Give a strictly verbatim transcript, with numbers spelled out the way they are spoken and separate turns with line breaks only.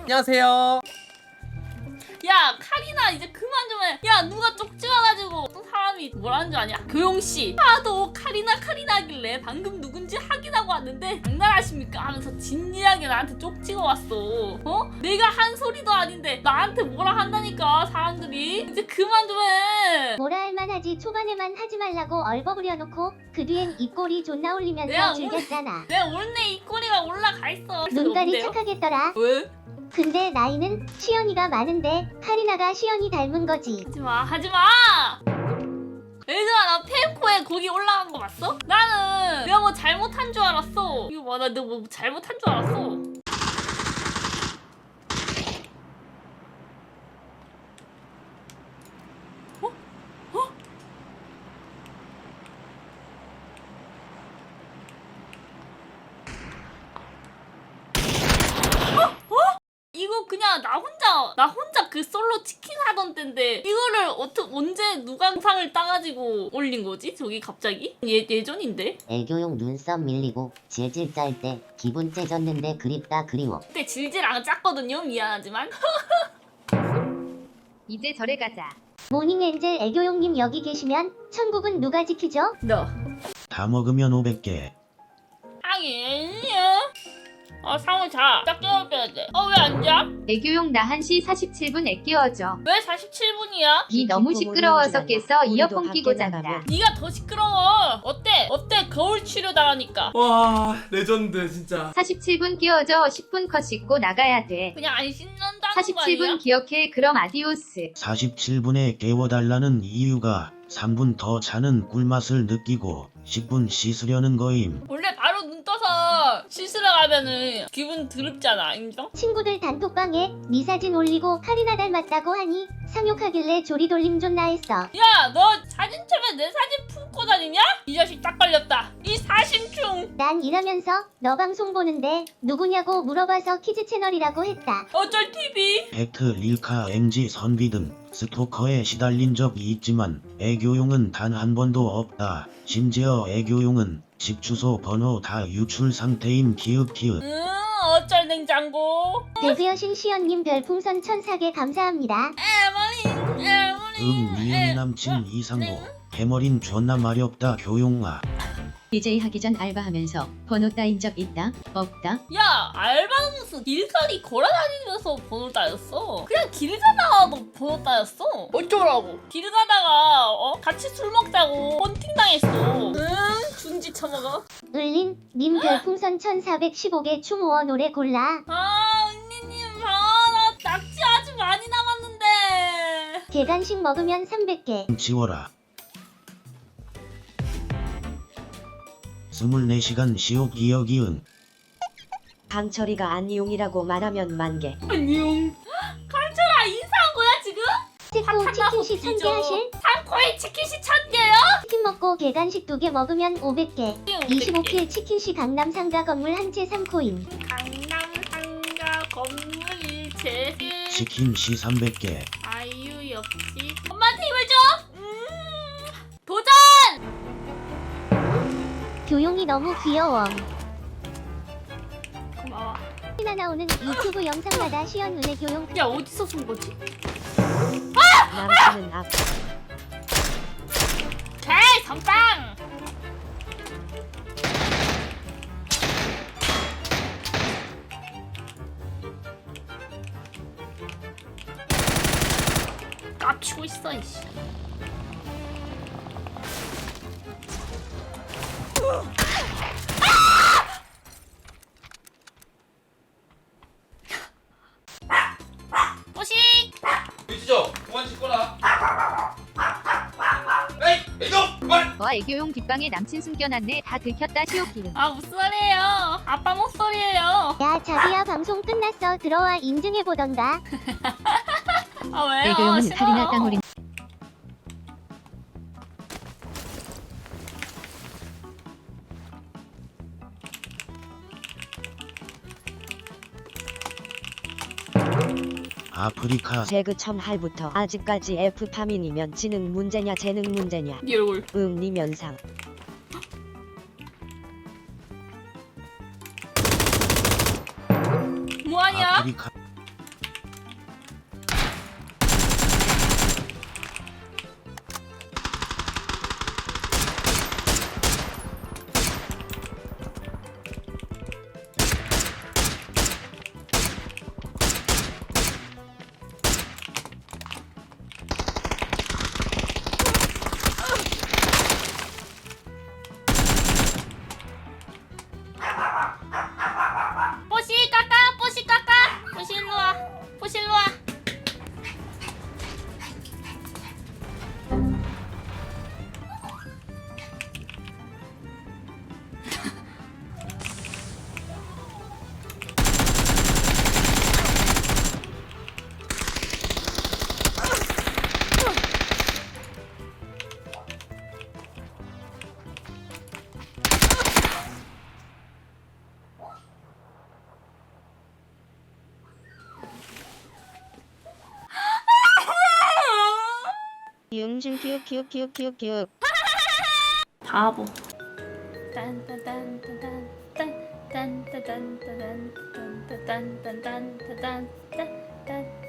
안녕하세요.
야 카리나 이제 그만 좀 해. 야 누가 쪽지와가지고 어떤 사람이 뭐라는 줄 아냐? 교용씨 하도 카리나 카리나 하길래 방금 누군지 확인하고 왔는데 장난하십니까? 하면서 진지하게 나한테 쪽지가 왔어. 어? 내가 한 소리도 아닌데 나한테 뭐라 한다니까 사람들이. 이제 그만 좀 해.
뭐라 할만 하지. 초반에만 하지 말라고 얼버무려놓고 그 뒤엔 입꼬리 존나 올리면서
내가
즐겼잖아.
내 원래 입꼬리가 올라가 있어.
눈깔이 착하겠더라.
왜?
근데 나이는 시연이가 많은데 카리나가 시연이 닮은 거지.
하지마 하지마. 얘들아 나 페이코에 거기 올라간 거 봤어? 나는 내가 뭐 잘못한 줄 알았어. 이거 봐 나 내가 뭐 잘못한 줄 알았어. 이거 그냥 나 혼자 나 혼자 그 솔로 치킨 하던 때인데 이거를 어떻게 언제 누가 영상을 따가지고 올린 거지? 저기 갑자기? 예, 예전인데?
애교용 눈썹 밀리고 질질 짤 때 기분 째졌는데 그립다 그리워.
그때 질질 안 짰거든요 미안하지만.
이제 절에 가자.
모닝엔젤 애교용님 여기 계시면 천국은 누가 지키죠?
너
다 먹으면 오백 개.
아니야. 아 상우 자. 딱 깨워줘야 돼. 어 왜 안 자?
애교용 나 한 시 사십칠 분 애 끼워줘.
왜 사십칠 분이야?
니 너무 시끄러워서 깼어. 이어폰 끼고 잔다.
네가 더 시끄러워. 어때? 어때? 거울 치료당하니까.
와 레전드 진짜.
사십칠 분 끼워줘. 십 분 컷 씻고 나가야 돼.
그냥 안 씻는다는 거
사십칠 분
아니야?
기억해. 그럼 아디오스.
사십칠 분에 깨워달라는 이유가 삼 분 더 자는 꿀맛을 느끼고 십 분 씻으려는 거임.
원래 바로 눈 떠서 씻으러 가면은 기분 드럽잖아. 인정?
친구들 단톡방에 네 사진 올리고 카리나 닮았다고 하니 상욕하길래 조리돌림 존나 했어.
야, 너 사진 처음에 내 사진 품고 다니냐? 이 자식 딱 걸렸다. 이 사심충.
난 일하면서 너 방송 보는데 누구냐고 물어봐서 키즈 채널이라고 했다.
어쩔 티비.
팩트 릴카 엠지 선비 등 스토커에 시달린 적이 있지만 애교용은 단 한 번도 없다. 심지어 애교용은 집 주소 번호 다 유출 상태임. 기읍 기읍.
응, 어쩔 냉장고.
데뷔여신 시연님 별풍선 천사 개 감사합니다.
에머린, 에머린.
음 니은이 남친 이상호. 해머린 존나 마렵다 교용아.
디제이 하기 전 알바하면서 번호 따인 적 있다? 없다?
야, 알바는 무슨 길거리 걸어다니면서 번호 따였어. 그냥 길 가다가도 번호 따였어. 어쩌라고. 길 가다가 어? 같이 술 먹자고 헌팅 당했어. 응, 준지 처먹어.
을린 님 별풍선 천사백십오 개 추모어 노래 골라.
아, 언니님, 아, 나 낙지 아주 많이 남았는데.
계단식 먹으면 삼백 개.
지워라. 스물네 시간 시옥 기억이응.
강철이가 안이용이라고 말하면 만개.
안녕. 강철아, 인사한 거야, 지금?
치코 치킨시 천 개 하실?
상코에 치킨시 천 개요?
치킨 먹고 계단식 두 개 먹으면 오백 개. 이십오 킬 치킨시 강남 상가 건물 한 채 삼 코인.
강남 상가 건물 일체.
치킨 시 삼백 개.
아이유 역시. 엄마한테 힘을 줘. 음. 도전.
교용이 너무 귀여워.
고마워.
카리나 나오는 유튜브 영상마다 시연 은혜 교용.
야, 어디서 쏜 거지?
남친은 앞.
에이, 선빵. 깝치고 있어 이씨. 포식.
위치죠? 그만 씻거라. 에이 애교 그만.
와 애교용 뒷방에 남친 숨겨놨네. 다 들켰다. 시오키는.
아 무슨 소리예요? 아빠 목소리예요.
야 자기야 방송 끝났어. 들어와 인증해보던가.
아 왜요?
애교용은
싫어요.
카리나 땅올인
아프리카
제그 첨할부터 아직까지 F파민이면 지능 문제냐 재능 문제냐.
네 얼굴.
응 니 면상.
뭐하냐?
아프리카
춘춘 키읔 키읔 키읔 키읔 키읔.
바보. 딴딴딴딴딴 딴딴딴딴딴딴딴딴딴딴딴딴